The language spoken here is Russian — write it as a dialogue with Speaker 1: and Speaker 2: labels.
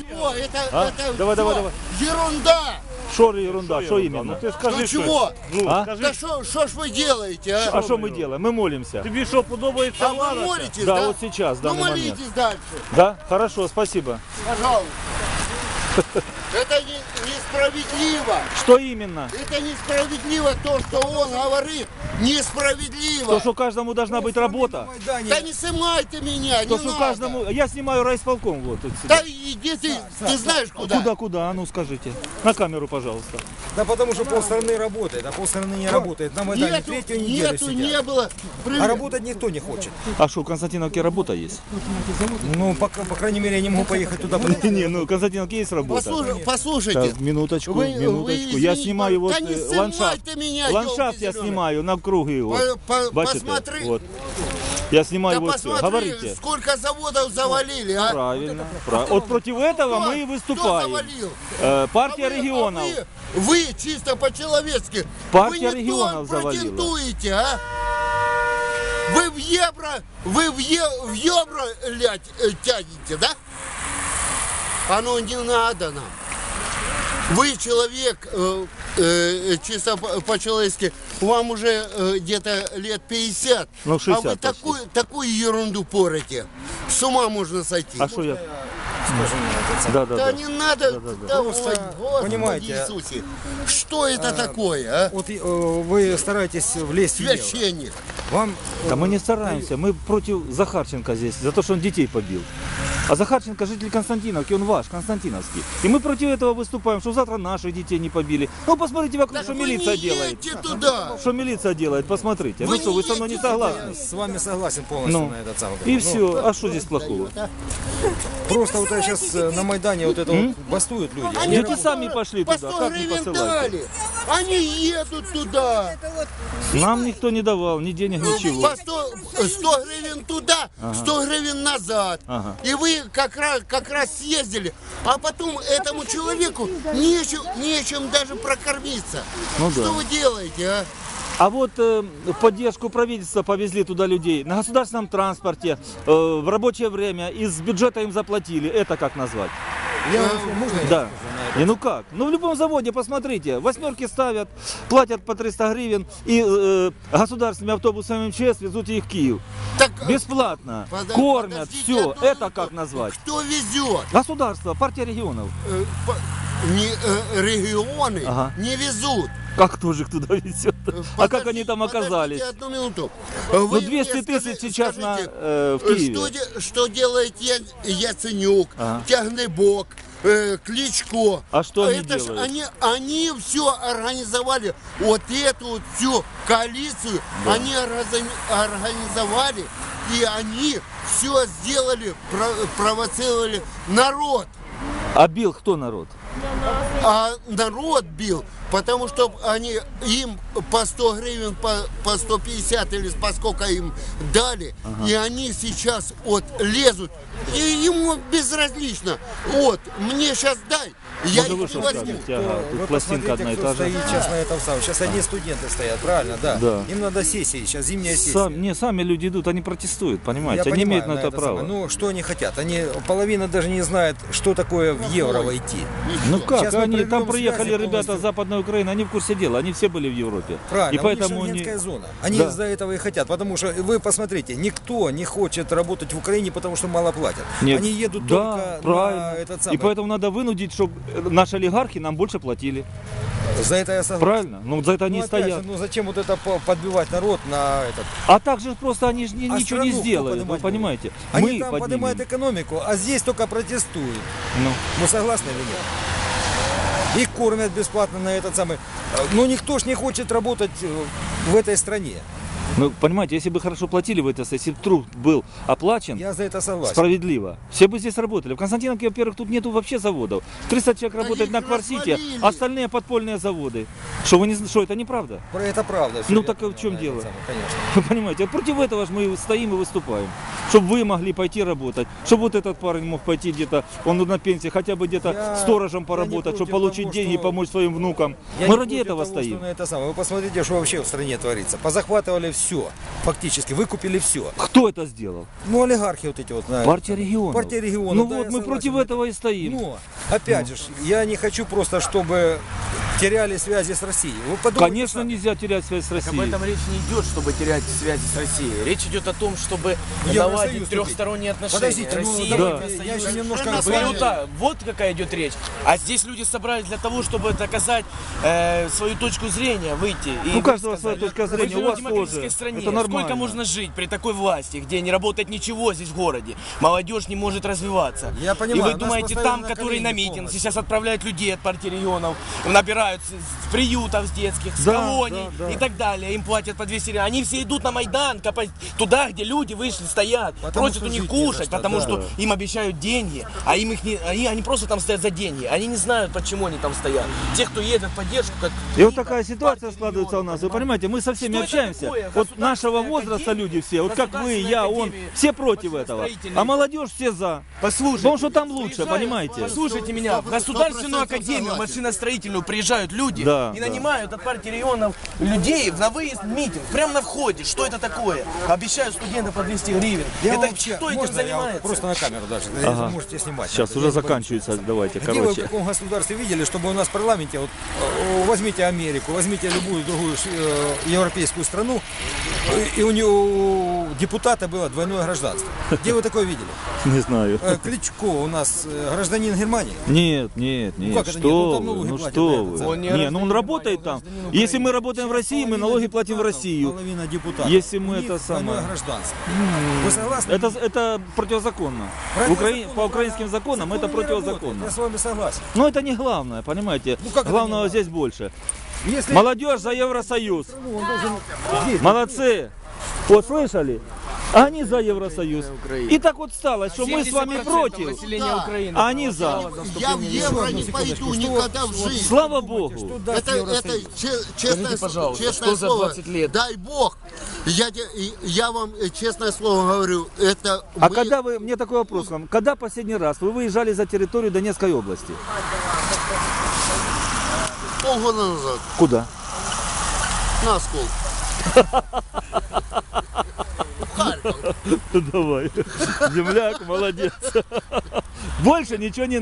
Speaker 1: Чего?
Speaker 2: А?
Speaker 1: Это
Speaker 2: Давай,
Speaker 1: всё
Speaker 2: давай, давай.
Speaker 1: ерунда.
Speaker 2: Что ерунда, что именно?
Speaker 3: Ну ти скажи,
Speaker 1: Ну
Speaker 3: що.
Speaker 1: чего?
Speaker 3: Ну,
Speaker 2: А?
Speaker 3: скажи,
Speaker 1: Да что ж вы делаете, а?
Speaker 2: А что мы делаем? Мы молимся.
Speaker 3: тобі що подобається
Speaker 1: А вы
Speaker 3: влада?
Speaker 1: молитесь,
Speaker 2: Да,
Speaker 1: да?
Speaker 2: вот сейчас, в
Speaker 1: Ну
Speaker 2: данный момент.
Speaker 1: молитесь дальше,
Speaker 2: Да? Хорошо, спасибо.
Speaker 1: пожалуйста. Это несправедливо.
Speaker 2: Что именно?
Speaker 1: Это несправедливо то, что он говорит. Несправедливо.
Speaker 2: То, что каждому должна быть работа.
Speaker 1: Да не снимайте меня,
Speaker 2: То,
Speaker 1: не
Speaker 2: что
Speaker 1: надо.
Speaker 2: каждому... Я снимаю райисполком. Вот, тут сюда.
Speaker 1: Да иди ты знаешь куда.
Speaker 2: Куда? А ну скажите. На камеру, пожалуйста.
Speaker 4: Да потому что полстраны работает, а полстраны не работает. На Майдане третью неделю сидят.
Speaker 1: Не было.
Speaker 4: А работать никто не хочет.
Speaker 2: А что, в Константиновке работа есть?
Speaker 4: Ну, по крайней мере, я не могу поехать туда.
Speaker 2: Не, ну в Константиновке есть работа.
Speaker 1: Послушайте.
Speaker 2: Так, минуточку,
Speaker 1: Вы
Speaker 2: минуточку. Я
Speaker 1: извините,
Speaker 2: снимаю вот
Speaker 1: да не
Speaker 2: ландшафт.
Speaker 1: снимайте меня,
Speaker 2: Ландшафт я
Speaker 1: ёлки зелёные.
Speaker 2: снимаю на круги. Вот. Бачите?
Speaker 1: Посмотри.
Speaker 2: Вот. Я снимаю
Speaker 1: Да
Speaker 2: вот все.
Speaker 1: посмотри,
Speaker 2: Говорите.
Speaker 1: сколько заводов завалили, а?
Speaker 2: Правильно. Вот против этого мы и
Speaker 1: Кто
Speaker 2: выступаем.
Speaker 1: завалил?
Speaker 2: Партия
Speaker 1: А вы-
Speaker 2: регионов.
Speaker 1: Вы чисто по-человечески.
Speaker 2: Партия
Speaker 1: вы не
Speaker 2: регионов
Speaker 1: то
Speaker 2: завалила.
Speaker 1: претендуете, а? Вы в евро тянете, да? Оно не надо нам. Вы человек, чисто по-человечески, вам уже где-то лет 50,
Speaker 2: Ну, 60
Speaker 1: а вы
Speaker 2: почти.
Speaker 1: такую ерунду порите. С ума можно сойти.
Speaker 2: А что я?
Speaker 4: Скажи мне, этот
Speaker 2: Да,
Speaker 1: Да
Speaker 2: да, да.
Speaker 1: не надо, да,
Speaker 4: Просто,
Speaker 1: ой, Господи
Speaker 4: понимаете,
Speaker 1: Иисусе, что это такое, а?
Speaker 4: Вот вы стараетесь влезть в евро.
Speaker 1: Священник.
Speaker 4: Вам
Speaker 2: Да мы не стараемся, мы против Захарченко здесь, за то, что он детей побил. А Захарченко житель Константиновки, он ваш, Константиновский. И мы против этого выступаем, что завтра наших детей не побили. Ну посмотрите вокруг,
Speaker 1: Так
Speaker 2: что
Speaker 1: вы
Speaker 2: милиция
Speaker 1: не
Speaker 2: делает.
Speaker 1: едьте туда.
Speaker 2: Что милиция делает, посмотрите.
Speaker 1: Вы
Speaker 2: Ну что,
Speaker 1: не
Speaker 2: вы со мной не
Speaker 1: едете
Speaker 2: согласны?
Speaker 4: с вами согласен полностью
Speaker 2: Ну,
Speaker 4: на этот самый.
Speaker 2: и
Speaker 4: Ну,
Speaker 2: все. А что здесь плохого?
Speaker 4: Просто вот сейчас на Майдане вот это вот бастуют люди. Они
Speaker 2: Дети сами пошли
Speaker 1: По
Speaker 2: туда,
Speaker 1: 100
Speaker 2: как не
Speaker 1: гривен
Speaker 2: посылать?
Speaker 1: дали. Они едут туда.
Speaker 2: Нам никто не давал, ни денег, ничего.
Speaker 1: По 100 гривен туда, 100 гривен назад.
Speaker 2: Ага.
Speaker 1: И вы как раз съездили. А потом этому человеку нечем даже прокормиться.
Speaker 2: Ну
Speaker 1: Что
Speaker 2: да.
Speaker 1: вы делаете, а?
Speaker 2: А вот в поддержку правительства повезли туда людей на государственном транспорте, в рабочее время, из бюджета им заплатили. Это как назвать?
Speaker 4: можно я
Speaker 2: Да.
Speaker 4: скажу на это?
Speaker 2: И ну как? Ну в любом заводе, посмотрите, восьмерки ставят, платят по 300 гривен и государственными автобусами МЧС везут их в Киев.
Speaker 1: Так,
Speaker 2: Бесплатно,
Speaker 1: подождите
Speaker 2: кормят, все.
Speaker 1: одну
Speaker 2: Это
Speaker 1: минуту.
Speaker 2: как назвать?
Speaker 1: Кто везет?
Speaker 2: Государство, партия регионов.
Speaker 1: Регионы
Speaker 2: Ага.
Speaker 1: не везут.
Speaker 2: Как тоже туда везет? А как они там оказались?
Speaker 1: Подождите одну минуту.
Speaker 2: Ну
Speaker 1: Вы
Speaker 2: 200
Speaker 1: мне
Speaker 2: тысяч сейчас
Speaker 1: скажите,
Speaker 2: в Киеве.
Speaker 1: Что делает Яценюк,
Speaker 2: Ага.
Speaker 1: Тягнебок, Кличко?
Speaker 2: А что они
Speaker 1: Это ж
Speaker 2: делают?
Speaker 1: они все организовали. Вот эту вот всю коалицию они организовали. И они все сделали, провоцировали народ.
Speaker 2: А бил кто народ?
Speaker 1: А народ бил, потому что они им по 100 гривен, по 150 или по сколько им дали, и они сейчас вот лезут, и ему безразлично. Вот, мне сейчас дай, я
Speaker 2: Может, вы
Speaker 1: их
Speaker 2: что
Speaker 1: возьму.
Speaker 2: скажете? Ага, тут
Speaker 4: Вы
Speaker 2: пластинка одна и
Speaker 4: посмотрите,
Speaker 2: та
Speaker 4: кто
Speaker 2: же.
Speaker 4: стоит сейчас на этом самом. Сейчас одни студенты стоят, правильно, да?
Speaker 2: Да.
Speaker 4: Им надо сессии, сейчас зимняя сессия.
Speaker 2: Сами люди идут, они протестуют, понимаете?
Speaker 4: Я
Speaker 2: Они
Speaker 4: понимаю,
Speaker 2: имеют на это право.
Speaker 4: самое. Ну, что они хотят? Половина даже не знает, что такое в евро войти.
Speaker 2: Ну как,
Speaker 4: Сейчас мы
Speaker 2: они
Speaker 4: проведем
Speaker 2: там приехали
Speaker 4: связи
Speaker 2: ребята
Speaker 4: полностью.
Speaker 2: с Западной Украины, они в курсе дела, они все были в Европе.
Speaker 4: Правильно,
Speaker 2: И поэтому
Speaker 4: у них
Speaker 2: они...
Speaker 4: шенгенская зона. Они
Speaker 2: Да.
Speaker 4: из-за этого и хотят, потому что вы посмотрите, никто не хочет работать в Украине, потому что мало платят.
Speaker 2: Нет.
Speaker 4: Они едут
Speaker 2: Да,
Speaker 4: только
Speaker 2: правильно.
Speaker 4: на этот самый.
Speaker 2: И поэтому надо вынудить, чтобы наши олигархи нам больше платили.
Speaker 4: За это я согласен.
Speaker 2: Правильно? Ну за это они
Speaker 4: Ну,
Speaker 2: и
Speaker 4: опять
Speaker 2: стоят.
Speaker 4: же, ну зачем вот это подбивать народ на этот?
Speaker 2: А также просто они же
Speaker 4: А
Speaker 2: ничего не
Speaker 4: страну кто
Speaker 2: сделают, вы
Speaker 4: поднимать
Speaker 2: понимаете?
Speaker 4: Они
Speaker 2: Мы
Speaker 4: там
Speaker 2: поднимем.
Speaker 4: поднимают экономику, а здесь только протестуют.
Speaker 2: Ну.
Speaker 4: Ну согласны или нет? Их кормят бесплатно на этот самый. Но никто ж не хочет работать в этой стране.
Speaker 2: Ну, понимаете, если бы хорошо платили в это, если бы труд был оплачен,
Speaker 4: Я за это согласен.
Speaker 2: справедливо, все бы здесь работали. В Константиновке, во-первых, тут нету вообще заводов. 300 человек работает
Speaker 1: их
Speaker 2: на квартите,
Speaker 1: развалили.
Speaker 2: остальные подпольные заводы. Что, вы не, что это неправда?
Speaker 4: Это правда. всё,
Speaker 2: Ну,
Speaker 4: я
Speaker 2: так
Speaker 4: понял,
Speaker 2: в чем
Speaker 4: на этот
Speaker 2: дело?
Speaker 4: самый, конечно.
Speaker 2: Вы понимаете, а против этого же мы стоим и выступаем. Чтобы вы могли пойти работать, чтобы вот этот парень мог пойти где-то, он на пенсии, хотя бы где-то
Speaker 4: Я-
Speaker 2: сторожем
Speaker 4: я
Speaker 2: поработать,
Speaker 4: не
Speaker 2: чтобы
Speaker 4: против
Speaker 2: получить
Speaker 4: того,
Speaker 2: деньги и
Speaker 4: что-
Speaker 2: помочь своим внукам.
Speaker 4: Я
Speaker 2: Мы
Speaker 4: не
Speaker 2: ради
Speaker 4: против
Speaker 2: этого
Speaker 4: того,
Speaker 2: стоим.
Speaker 4: что на это самое. Вы посмотрите, что вообще в стране творится. Позахватывали все. все. Фактически выкупили все.
Speaker 2: Кто это сделал?
Speaker 4: Ну, олигархи вот эти вот.
Speaker 2: Партия регионов.
Speaker 4: Партия регионов.
Speaker 2: Ну
Speaker 4: да,
Speaker 2: вот
Speaker 4: я
Speaker 2: мы
Speaker 4: согласен.
Speaker 2: против этого и стоим.
Speaker 4: Но, опять же, я не хочу просто, чтобы теряли связи с Россией. Вы подумайте
Speaker 2: Конечно,
Speaker 4: сами.
Speaker 2: нельзя терять связь с
Speaker 3: Об
Speaker 2: Россией.
Speaker 3: этом речь не идет, чтобы терять связи с Россией. Речь идет о том, чтобы
Speaker 4: Евросоюз
Speaker 3: наладить
Speaker 4: купить.
Speaker 3: трехсторонние отношения.
Speaker 4: Подождите, ну,
Speaker 3: Россия,
Speaker 4: давайте,
Speaker 3: Евросоюз.
Speaker 4: я еще немножко...
Speaker 1: Совершенно
Speaker 3: Были вот вот какая идет речь. А здесь люди собрались для того, чтобы доказать свою точку зрения, выйти. И
Speaker 2: У каждого
Speaker 3: высказать.
Speaker 2: своя точка
Speaker 3: Мы
Speaker 2: зрения,
Speaker 3: живем
Speaker 2: у вас
Speaker 3: в демократической
Speaker 2: тоже.
Speaker 3: стране.
Speaker 2: Это нормально.
Speaker 3: Сколько можно жить при такой власти, где не работает ничего здесь в городе? Молодежь не может развиваться.
Speaker 4: Я понимаю,
Speaker 3: И вы
Speaker 4: нас
Speaker 3: думаете,
Speaker 4: поставили
Speaker 3: там,
Speaker 4: на
Speaker 3: которые на
Speaker 4: колени
Speaker 3: митинг,
Speaker 4: полностью.
Speaker 3: сейчас отправляют людей от партии регионов, набирают с приютов с детских, с
Speaker 2: Да,
Speaker 3: колоний
Speaker 2: да, да.
Speaker 3: и так далее. Им платят по 200 гривен. Они все идут на Майдан, туда, где люди вышли, стоят,
Speaker 4: Потому
Speaker 3: просят
Speaker 4: что
Speaker 3: у них
Speaker 4: жить не за
Speaker 3: кушать,
Speaker 4: что,
Speaker 3: потому
Speaker 4: да.
Speaker 3: что им обещают деньги, а им их не, они просто там стоят за деньги. Они не знают, почему они там стоят. Те, кто едет в поддержку, как
Speaker 2: И вот
Speaker 3: Лида,
Speaker 2: такая ситуация
Speaker 3: партия
Speaker 2: складывается у
Speaker 3: регионов,
Speaker 2: нас. Вы понимаете, мы со всеми
Speaker 3: Что это
Speaker 2: общаемся.
Speaker 3: такое?
Speaker 2: Вот нашего
Speaker 3: Государственная
Speaker 2: возраста
Speaker 3: академия,
Speaker 2: люди все, вот как вы, я,
Speaker 3: Государственная
Speaker 2: он,
Speaker 3: академия
Speaker 2: все против этого.
Speaker 3: машиностроительной.
Speaker 2: А молодежь все за.
Speaker 3: Послушайте,
Speaker 2: Потому что там лучше,
Speaker 3: приезжают,
Speaker 2: понимаете?
Speaker 3: Послушайте меня, в Государственную
Speaker 1: 100%
Speaker 3: академию
Speaker 1: согласен.
Speaker 3: машиностроительную приезжают люди
Speaker 2: Да,
Speaker 3: и
Speaker 2: да.
Speaker 3: нанимают от партии регионов людей на выезд в митинг, прямо на входе. Что это такое? Обещают студентам по 200 гривен.
Speaker 4: Я
Speaker 3: Это
Speaker 4: вообще,
Speaker 3: кто этим
Speaker 4: можно я
Speaker 3: занимается?
Speaker 4: просто на камеру даже,
Speaker 2: Ага.
Speaker 4: можете снимать.
Speaker 2: Сейчас
Speaker 4: Я
Speaker 2: уже
Speaker 4: не боюсь.
Speaker 2: заканчивается, давайте,
Speaker 4: Где вы в
Speaker 2: короче.
Speaker 4: каком государстве видели, чтобы у нас в парламенте, вот, возьмите Америку, возьмите любую другую европейскую страну, и у него депутата было двойное гражданство. Где вы такое видели?
Speaker 2: Не знаю.
Speaker 4: Кличко у нас гражданин Германии.
Speaker 2: Нет, нет, нет,
Speaker 4: как это нет? Ну,
Speaker 2: что
Speaker 4: там
Speaker 2: вы,
Speaker 4: налоги
Speaker 2: ну
Speaker 4: платят,
Speaker 2: что
Speaker 4: да,
Speaker 2: вы.
Speaker 4: это
Speaker 3: Он не
Speaker 2: Не, ну
Speaker 3: гражданин
Speaker 2: он работает
Speaker 3: Германии,
Speaker 2: там.
Speaker 3: он гражданин
Speaker 2: Если мы
Speaker 3: Украины.
Speaker 2: работаем в России, мы
Speaker 4: Половина
Speaker 2: налоги платим в
Speaker 4: депутатов,
Speaker 2: Россию.
Speaker 4: Половина депутатов.
Speaker 2: Если мы
Speaker 4: У них
Speaker 2: это самое-
Speaker 4: двойное гражданство. Вы согласны?
Speaker 2: Это противозаконно. По украинским законам это
Speaker 4: Законы не работают,
Speaker 2: противозаконно.
Speaker 4: Я с вами согласен.
Speaker 2: Но это не главное, понимаете?
Speaker 4: Ну, как это не
Speaker 2: Главного
Speaker 4: главное?
Speaker 2: здесь больше.
Speaker 4: Если
Speaker 2: Молодежь за Евросоюз.
Speaker 4: ну, он должен здесь.
Speaker 2: Молодцы. Вот слышали? Они за Евросоюз. И так вот стало, что мы с вами
Speaker 3: 70%
Speaker 2: против,
Speaker 3: населения
Speaker 1: Да.
Speaker 3: Украины
Speaker 2: а они за.
Speaker 1: Я в евро не пойду никогда в жизнь.
Speaker 2: Слава Богу.
Speaker 4: Что даст
Speaker 1: Это
Speaker 4: Евросоюз?
Speaker 1: честное,
Speaker 3: Скажите, пожалуйста,
Speaker 1: честное
Speaker 3: что за
Speaker 1: слово,
Speaker 3: 20 лет?
Speaker 1: дай Бог, я вам честное слово говорю, это
Speaker 2: А
Speaker 1: мы-
Speaker 2: когда вы, мне такой вопрос к вам, когда последний раз вы выезжали за территорию Донецкой области?
Speaker 1: полгода назад
Speaker 2: Куда?
Speaker 1: на Оскол. Харьков.
Speaker 2: Давай. Земляк, молодец. Больше ничего не